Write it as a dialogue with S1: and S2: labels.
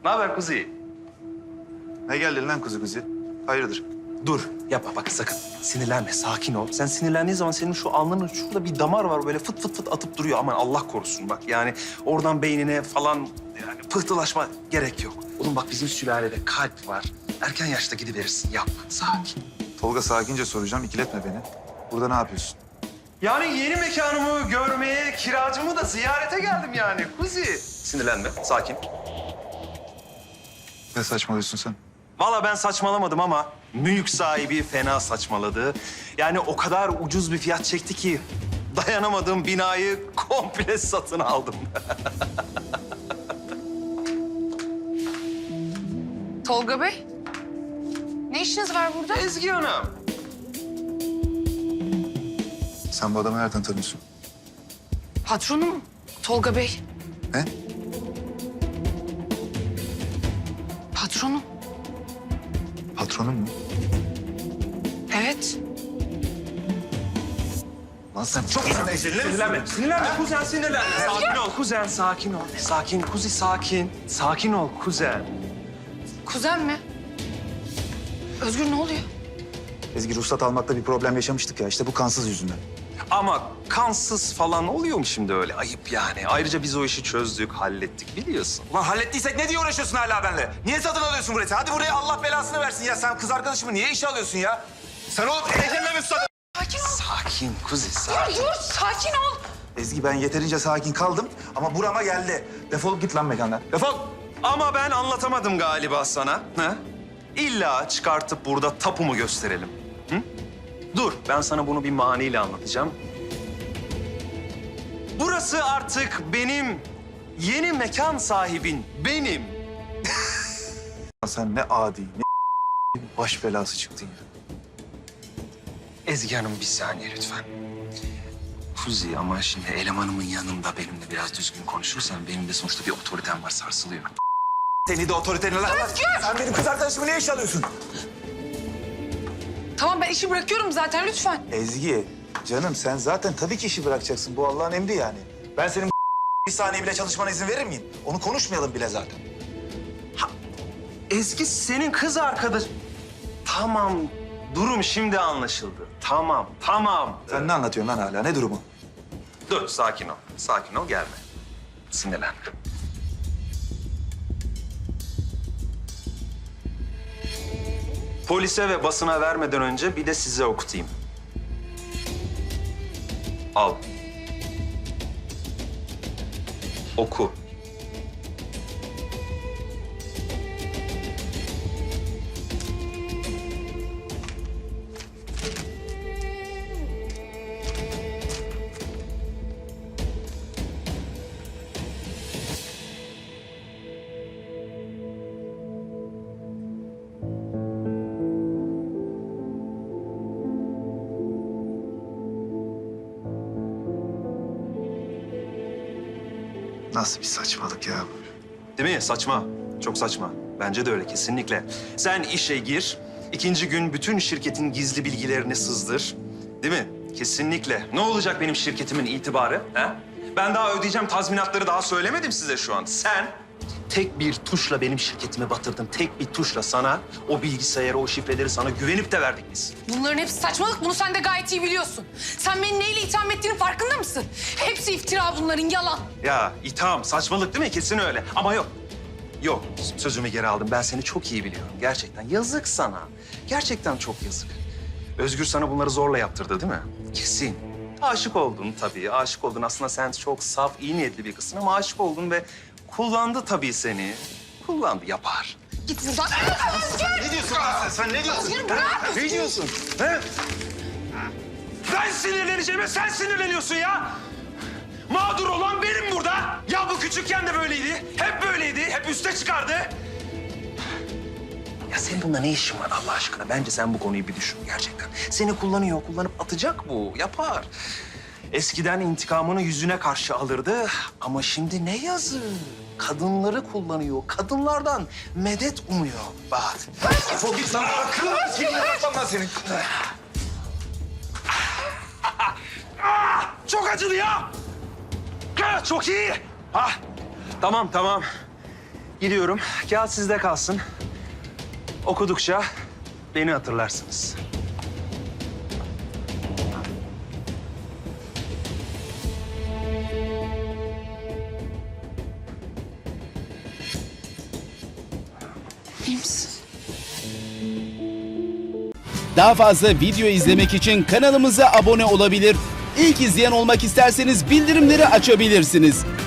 S1: Ne haber Kuzi?
S2: Ne geldin lan kuzu kuzu? Hayırdır?
S1: Dur, yapma bak sakın. Sinirlenme, sakin ol. Sen sinirlendiğin zaman senin şu alnının şurada bir damar var böyle fıt fıt fıt atıp duruyor. Aman Allah korusun bak. Yani oradan beynine falan yani pıhtılaşma gerek yok. Oğlum bak bizim sülalede kalp var. Erken yaşta gidiverirsin. Yapma, sakin.
S2: Tolga sakince soracağım, ikiletme beni. Burada ne yapıyorsun?
S1: Yani yeni mekanımı görmeye, kiracımı da ziyarete geldim yani Kuzi. Sinirlenme, sakin.
S2: Ne saçmalıyorsun sen?
S1: Vallahi ben saçmalamadım ama mülk sahibi fena saçmaladı. Yani o kadar ucuz bir fiyat çekti ki dayanamadığım binayı komple satın aldım.
S3: Tolga Bey, ne işiniz var burada?
S1: Ezgi Hanım.
S2: Sen bu adamı nereden tanıyorsun?
S3: Patronum Tolga Bey.
S2: Ne?
S3: Patronum.
S2: Patronun mu?
S3: Evet.
S2: Lan sen çok
S1: Sinirlenme, sinirlenme kuzen sinirlenme. Sakin ol kuzen, sakin ol. Sakin Kuzi, sakin. Sakin ol kuzen.
S3: Kuzen mi? Özgür ne oluyor?
S2: Ezgi, ruhsat almakta bir problem yaşamıştık ya. İşte bu kansız yüzünden.
S1: Ama kansız falan oluyor mu şimdi öyle? Ayıp yani. Ayrıca biz o işi çözdük, hallettik biliyorsun.
S4: Ulan hallettiysek ne diye uğraşıyorsun hala benimle? Niye satın alıyorsun burayı? Hadi buraya Allah belasını versin ya. Sen kız arkadaşımı niye işe alıyorsun ya? Sen oğlum ehliyetine mi susadın?
S3: Sakin ol.
S1: Sakin Kuzi,
S3: Dur,
S1: sakin.
S3: dur, sakin ol.
S2: Ezgi, ben yeterince sakin kaldım ama burama geldi. Defolup git lan mekandan. Defol!
S1: Ama ben anlatamadım galiba sana. Ha? İlla çıkartıp burada tapumu gösterelim. Hı? Dur, ben sana bunu bir maniyle anlatacağım. Burası artık benim yeni mekan sahibin benim.
S2: Sen ne adi, ne baş belası çıktın ya.
S1: Ezgi Hanım bir saniye lütfen. Kuzi ama şimdi elemanımın yanında benimle biraz düzgün konuşursan benim de sonuçta bir otoritem var sarsılıyor.
S4: Seni de otoriteline lan. Sen benim kız arkadaşımı niye işe alıyorsun?
S3: Tamam ben işi bırakıyorum zaten lütfen.
S2: Ezgi, canım sen zaten tabii ki işi bırakacaksın. Bu Allah'ın emri yani. Ben senin bir saniye bile çalışmana izin verir miyim? Onu konuşmayalım bile zaten.
S1: Ezgi senin kız arkadaş... Tamam, durum şimdi anlaşıldı. Tamam, tamam.
S2: Sen ne anlatıyorsun lan hala? Ne durumu?
S1: Dur, sakin ol. Sakin ol, gelme. Sinirlenme. Polise ve basına vermeden önce bir de size okutayım. Al. Oku.
S2: Nasıl bir saçmalık ya?
S1: Değil mi? Saçma. Çok saçma. Bence de öyle kesinlikle. Sen işe gir. İkinci gün bütün şirketin gizli bilgilerini sızdır. Değil mi? Kesinlikle. Ne olacak benim şirketimin itibarı? Ha? Ben daha ödeyeceğim tazminatları daha söylemedim size şu an. Sen tek bir tuşla benim şirketimi batırdın. Tek bir tuşla sana o bilgisayarı, o şifreleri sana güvenip de verdik biz.
S3: Bunların hepsi saçmalık. Bunu sen de gayet iyi biliyorsun. Sen beni neyle itham ettiğinin farkında mısın? Hepsi iftira bunların, yalan.
S1: Ya itham, saçmalık değil mi? Kesin öyle. Ama yok. Yok, sözümü geri aldım. Ben seni çok iyi biliyorum. Gerçekten yazık sana. Gerçekten çok yazık. Özgür sana bunları zorla yaptırdı değil mi? Kesin. Aşık oldun tabii, aşık oldun. Aslında sen çok saf, iyi niyetli bir kızsın ama aşık oldun ve kullandı tabii seni. Kullandı, yapar.
S3: Git buradan. Özgür!
S4: Ne diyorsun lan sen? Sen ne diyorsun?
S3: Özgür bırak!
S1: Ne diyorsun? He? Ben sinirleneceğime sen sinirleniyorsun ya. Mağdur olan benim burada. Ya bu küçükken de böyleydi. Hep böyleydi. Hep üste çıkardı. Ya senin bunda ne işin var Allah aşkına? Bence sen bu konuyu bir düşün gerçekten. Seni kullanıyor, kullanıp atacak bu. Yapar. Eskiden intikamını yüzüne karşı alırdı ama şimdi ne yazık. Kadınları kullanıyor. Kadınlardan medet umuyor. Bak.
S4: Defol git lan. Seni yapmam lan senin.
S1: Çok acıdı ya. Çok iyi. Ah, tamam, tamam. Gidiyorum. Kağıt sizde kalsın. Okudukça beni hatırlarsınız.
S3: İyi misin?
S5: Daha fazla video izlemek için kanalımıza abone olabilir. İlk izleyen olmak isterseniz bildirimleri açabilirsiniz.